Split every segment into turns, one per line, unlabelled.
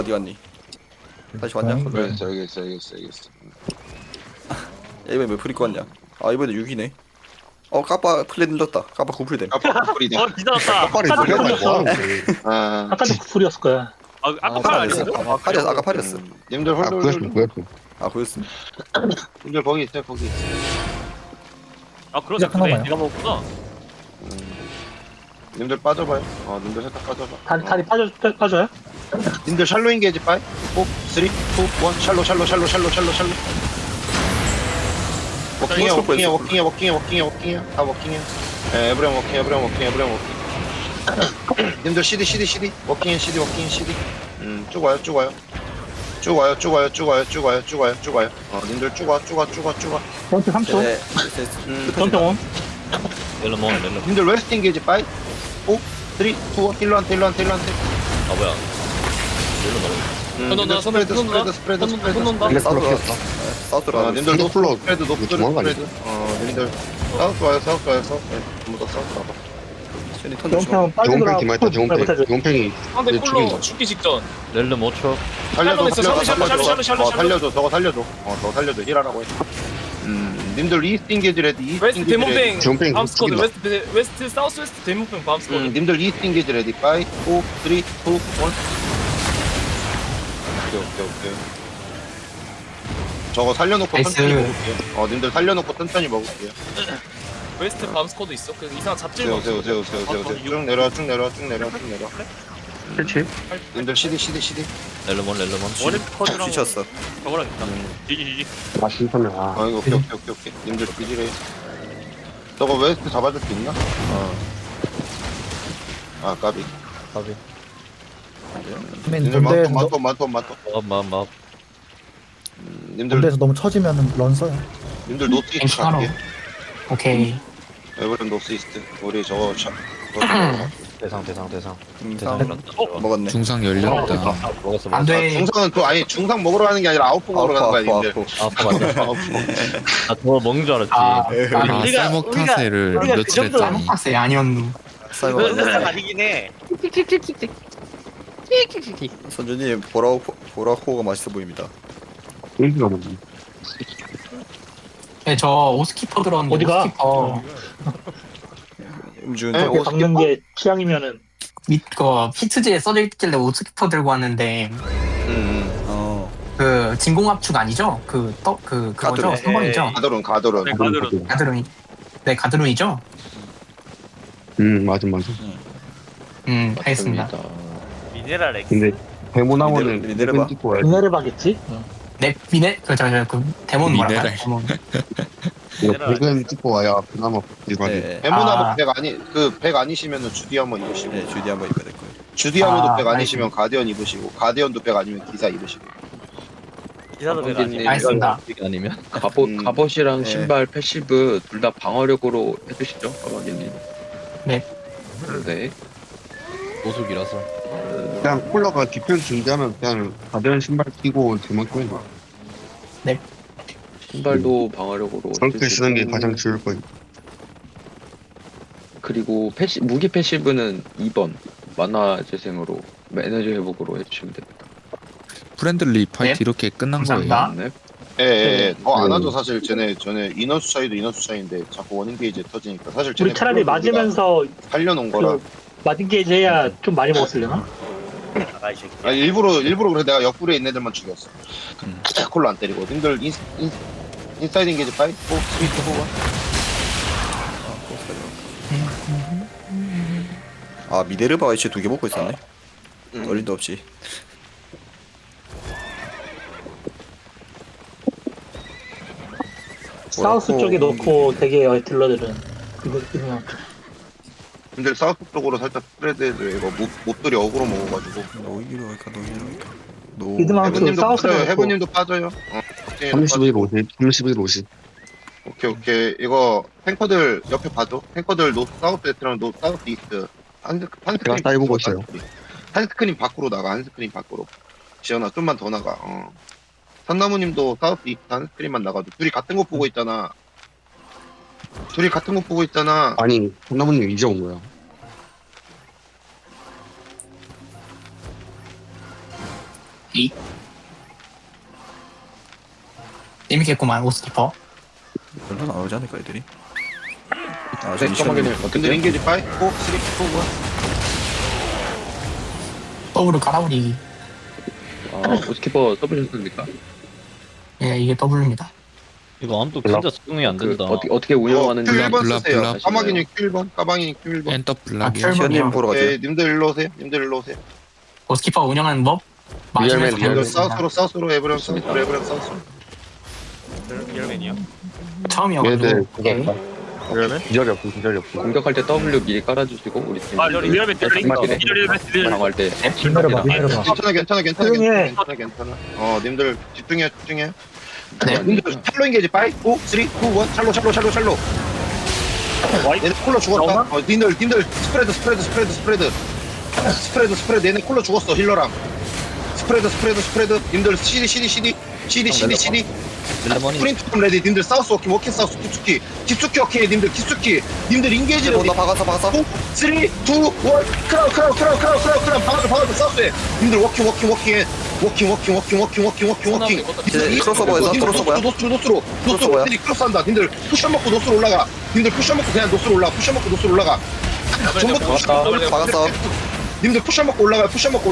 어디 갔니? 다시 왔냐?
네.
그래.
알겠어.
야, 이번에 몇 풀 입고 왔냐? 아 이번에 6이네. 까빠 플레 늘렸다. 까빠 9풀 됨.
깜빡 뿌리다.
기다렸다.
빨리
아까도
들어가
풀이었어.
아,
아까도 풀이었을 거야.
아까
팔
팔
아니었어?
아니었어?
팔이었어. 아까 팔이었어.
님들
아 보였어
홀돌.
보였어.
아 보였어.
님들 거기 있어요, 거기.
아 그러네.
시작하나
그래.
봐요.
내가 먹었구나.
님들 빠져봐요. 님들 살짝 빠져봐.
다리 빠져요?
님들 샬로 인게이지 빠이. 4, 3, 2, 1. 샬로. 워킹이야. 다 워킹이야. 에브리언 워킹. 님들 CD. 워킹 CD. 쭉 와요. 님들 쭉 와.
전투 3초.
네.
전투 5.
렐름.
님들 웨스트 인게이지 빠이. 4, 3, 2, 1. 일로한테.
아 뭐야? 렐름 먹어. 손
스프레드.
이게 사우스 왔어. 사우스로
님들 노
플로
스프레드.
도망가네.
님들 사우스 와요. 전부 다 사우스 와봐.
션이 턴 조심.
정평 빠지더라.
정팽 디마이터 정팽이
상대
네,
콜로
죽인다.
죽기 직전.
렐름 5초.
살려줘. 더 살려줘. 힐하라고 해. 님들 이스트 인게이지 레디.
웨스트 데몬뱅.
정팽
밤스쿼드.
죽인다.
웨스트 사우스 웨스트 데몬뱅 밤스쿼드.
님들 이스트 인게이지 레디. 5, 4, 3, 2, 1. 오케이. 저거 살려놓고 천천히 먹을게요. 님들 살려놓고 천천히 먹을게요.
웨스트 밤스쿼드 있어. 그 이상 잡질
세워. 쭉 내려와.
그렇지.
님들 CD.
렐름 1.
원인 퍼즈랑
지쳤어.
저거랑 있다. 지지.
아 신선해. 아
이거 오케이. 님들 비질해. 저거 웨스트 잡아줄 수 있나? 까비.
맨
님들
본대에서
많다.
맘.
님들
본대에서 너무 처지면 런 써요.
님들 노스 이스트
괜찮아.
갈게.
오케이.
에브린 노스 이스트. 우리 저거
대상.
먹었네.
중상 열렸다.
먹었어.
안 돼.
중상은 또 아니 중상 먹으러 가는 게 아니라 아웃포 먹으러 가는 거야 님들.
아파 맞아. 나 저거 먹는 줄 알았지.
아, 쌀먹 타세를 며칠 했더니
빡세 아니었누.
사이버
아니긴 해.
선주님 보라코가 맛있어 보입니다.
일기가 뭐지?
네, 저 오스키퍼 들었는데
어디가?
오스키퍼
음주운
네,
그렇게 박는 게 취향이면은
밑거 피트지에 써져 있길래 오스키퍼 들고 왔는데 그 진공압축 아니죠? 그거죠?
가드론.
3번이죠?
가드론.
네, 가드론.
가드론이. 네, 가드론이죠?
맞아.
알겠습니다.
미네랄 엑스.
근데 데모나무는
미네르바.
찍고 와야 돼.
미네르바겠지?
네, 그 데몬 뭐랄까?
미네랄.
데몬.
이거 백은 찍고 와야 그나마 일반이.
네.
에모나무 백 아니시면은 주디 한번 입으시고.
네, 주디 한번 입어야 될 거예요.
주디 아무도 백
알겠습니다.
아니시면 가디언 입으시고 가디언도 백 아니면 기사 입으시고.
기사도 배가 아니야.
알겠습니다.
아니면
갑옷이랑
네.
신발 패시브 둘 다 방어력으로 해주시죠, 가방님.
네.
네.
보숙이라서.
그냥 콜라가 디펜스 준비하면 그냥 가벼운 신발 끼고 제만 끼면 돼.
신발도 방어력으로.
저렇게 쓰는 게
해주시고.
가장 좋을 거예요.
그리고 무기 패시브는 2번 만화 재생으로 에너지 회복으로 해주시면 됩니다.
프렌들리 파이트
네.
이렇게 끝난 거예요.
감사합니다.
네.
예. 더 안 하죠 사실 전에 인원수 차이도 인원수 차이인데 자꾸 원인 게이지 터지니까 사실
우리 차라리 맞으면서
살려놓은 거라.
맞은 게이지 해야 좀 많이 먹었으려나?
나가 이 새끼.
아니, 일부러 그래 내가 옆구리에 있는 애들만 죽였어. 콜로 안 때리고. 님들 인사이드 인게이지 5, 3, 2, 1.
미네르바가 이제 2개 먹고 있었네. 어림도 없지.
사우스 쪽에 놓고 되게 딜러들은 이거
님들 사우스 쪽으로 살짝 스프레드해줘. 이거 못들이 어그로 먹어가지고.
노이로 할까.
미드마운트
해븐님도
사우스로
빠져요.
놓고
해븐님도 빠져요.
31, 50.
오케이. 이거 탱커들 옆에 봐줘. 탱커들 노 사우스 웨스트랑 노 사우스 이스트.
제가 따위보고 있어요.
한 스크린 밖으로 나가. 한 스크린 밖으로. 지연아 좀만 더 나가. 산나무님도 사우스 이스트 한 스크린만 나가도 둘이 같은 거 보고 있잖아.
아니, 콩나무님 이제 온 거야.
재밌겠구만 오스키퍼.
별로 나오지 않을까 애들이? 아,
네, 까마귀는
님들
어떻게?
인게이지 5, 4, 3, 2, 1.
더블을 깔아버리기.
오스키퍼 써보셨습니까?
예, 이게 더블입니다.
이거 아무도 진짜 적응이 안 된다.
어떻게 운영하는지.
Q1
블랍,
쓰세요.
블랍.
까마귀님 Q1, 까마귀님 Q1.
엔더 블락이
아,
시현님 보러 가죠.
예, 님들 일로 오세요. 님들 일로 오세요.
오스키퍼 운영하는 법 맞으면서
리얼맨,
님들
배우겠습니다.
사우스로 에브리언 사우스로.
리얼맨이요?
처음이어가지고.
얘들
오케이.
공격할 때 W 미리 깔아주시고 우리 팀.
아 리얼맨
방어할 때.
기다려봐.
괜찮아. 님들 집중해.
네.
님들 샬로 인게이지 5, 4, 3, 2, 1. 샬로. 얘네 콜러 죽었다. 님들 스프레드. 얘네 콜러 죽었어 힐러랑. 스프레드. 님들 CD. 프린트 레디. 님들 사우스 워킹 사우스 깊숙이 오케이. 님들 깊숙이. 님들 인게이지 레디.
나 박았어.
3, 2, 1. 크라우. 박아줘 사우스에. 님들 워킹.
크로스오버에서
노스로
크로스오버야?
님들 크로스한다. 님들 쿠션 먹고 노스로 올라가. 님들 쿠션 먹고 그냥 노스로 올라가. 전부 다
박았어.
님들 쿠션 먹고 올라가.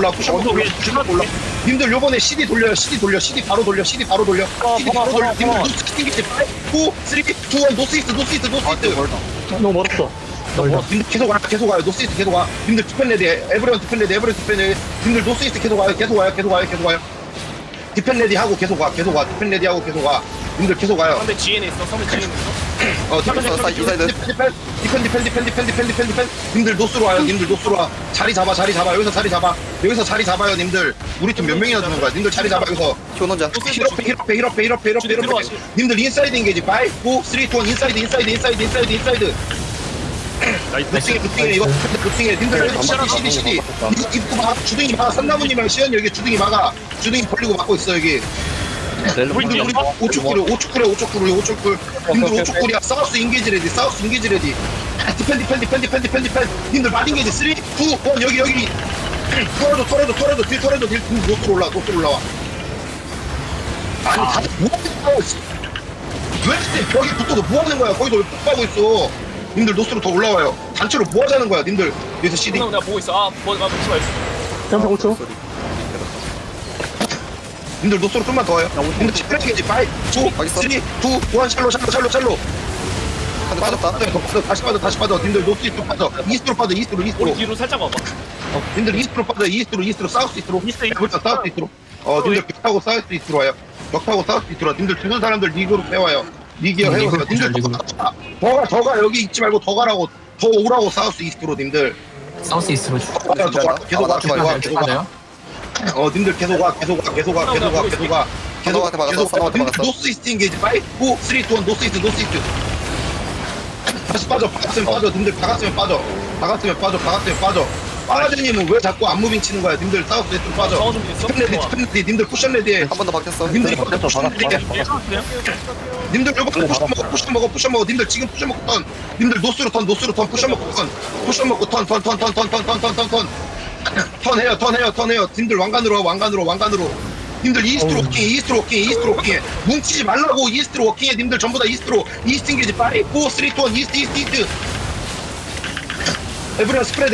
님들 요번에 CD 돌려요. CD 바로 돌려. 님들 노스 튕기지. 5, 3, 2, 1. 노스 이스트.
너무 멀었어.
님들 계속 와요. 노스 이스트 계속 와. 님들 디펜레디. 에브리언 디펜레디. 님들 노스 이스트 계속 와요. 디펜레디 하고 계속 와. 님들 계속 와요.
상대 GN에 있어.
디펜. 님들 노스로 와요. 자리 잡아. 여기서 자리 잡아요. 님들 우리 팀 몇 명이나 주는 거야. 님들 자리 잡아 여기서.
효논자.
힐업해. 님들 인사이드 인게이지. 5, 4, 3, 2, 1. 인사이드. 루팅해 이거. 님들 CD. 입구 막 주둥이 막아. 산나무님이랑 시현이 여기 주둥이 막아. 주둥이 벌리고 막고 있어 여기. 우리 오축구려. 님들 오축구리야. 사우스 인게이지 레디. 디펜. 님들 마린 게이지 3, 2, 1. 여기. 토레도 딜 노스로 올라와. 아니 다들 뭐하는 거야? 왜 벽에 붙어서 뭐하는 거야? 거기서 왜 폭파하고 있어? 님들 노스로 더 올라와요. 단체로 뭐하자는 거야? 님들 여기서 CD.
내가 보고 있어. 놓지 말고.
점프 5초.
님들 노스로 좀만 더 와요. 님들 집중해야지. 5, 4, 3, 2, 1. 샬로. 다시 빠져. 님들 노스 이스트로 빠져. 이스트로 빠져.
우리 뒤로 살짝 와봐.
님들 이스트로 빠져. 이스트로 사우스 이스트로. 사우스 이스트로. 님들 벽 타고 사우스 이스트로 와요. 님들 죽은 사람들 리그로 빼와요. 리기어 해오세요. 님들 더 가. 여기 있지 말고 더 가라고. 더 오라고. 사우스 이스트로 님들.
사우스 이스트로 쭉.
계속 와. 님들 계속 와. 님들 노스 이스트 인게이지. 5, 4, 3, 2, 1. 노스 이스트. 다시 빠져. 님들 박았으면 빠져. 빠라제님은 왜 자꾸 안 무빙 치는 거야? 님들 사우스 이스트로 빠져.
정화 좀 됐어.
디펜레디. 님들 쿠션 레디에.
한 번 더 박혔어.
님들 요번에 쿠션 먹어. 님들 지금 쿠션 먹고 턴. 님들 노스로 턴. 쿠션 먹고 턴. 턴해요. 님들 왕관으로 와. 님들 이스트로 워킹해. 뭉치지 말라고. 이스트로 워킹해. 님들 전부 다 이스트로. 이스트 인게이지 5, 4, 3, 2, 1. 이스트. 에브리언 스프레드.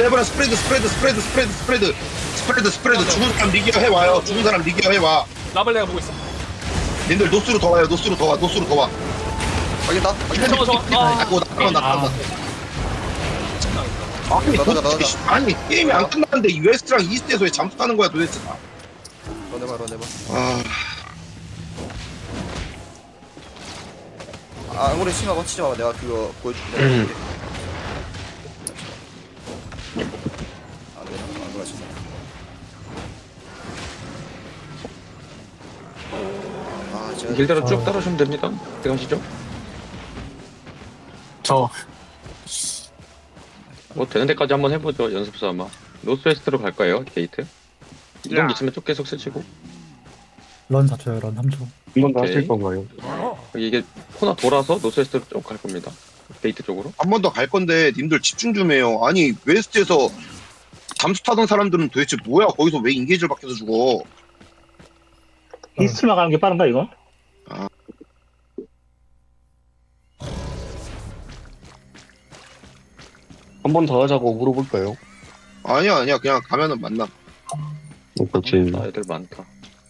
죽은 사람 리기어 해와.
라벨 내가 보고 있어.
님들 노스로 더 와요.
확인다.
나간다. 아니 게임이 안 끝났는데 이 웨스트랑 이스트에서 왜 잠수 타는 거야 도대체.
런해봐. 아무리 심하고 치지 마. 내가 그거 보여줄게. 안 그러지. 제가
길대로 쭉 따라오시면 됩니다. 들어가시죠.
저
뭐 되는 데까지 한번 해보죠. 연습 삼아. 노스웨스트로 갈 거예요. 게이트. 이동 있으면 쭉 계속 쓰시고.
런 4초요. 런 3초.
한번 더
오케이.
하실 건가요?
이게 코너 돌아서 노스웨스트로 쭉 갈 겁니다. 게이트 쪽으로.
한 번 더 갈 건데 님들 집중 좀 해요. 아니 웨스트에서 잠수 타던 사람들은 도대체 뭐야? 거기서 왜 인게이지를 박혀서 죽어?
이스트만 가는 게 빠른가 이거?
한 번 더 하자고 물어볼까요?
아니야 그냥 가면은 만나.
그렇지.
나 애들 많다.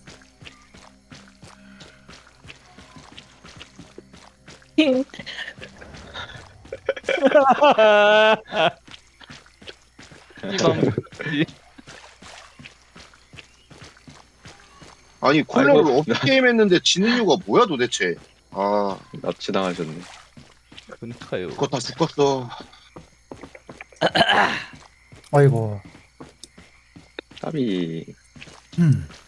아니 콜라를
아이고.
어떻게 게임했는데 지는 이유가 뭐야 도대체. 아
납치당하셨네.
그니까요.
그거 다 죽었어.
아이고.
까비.
음.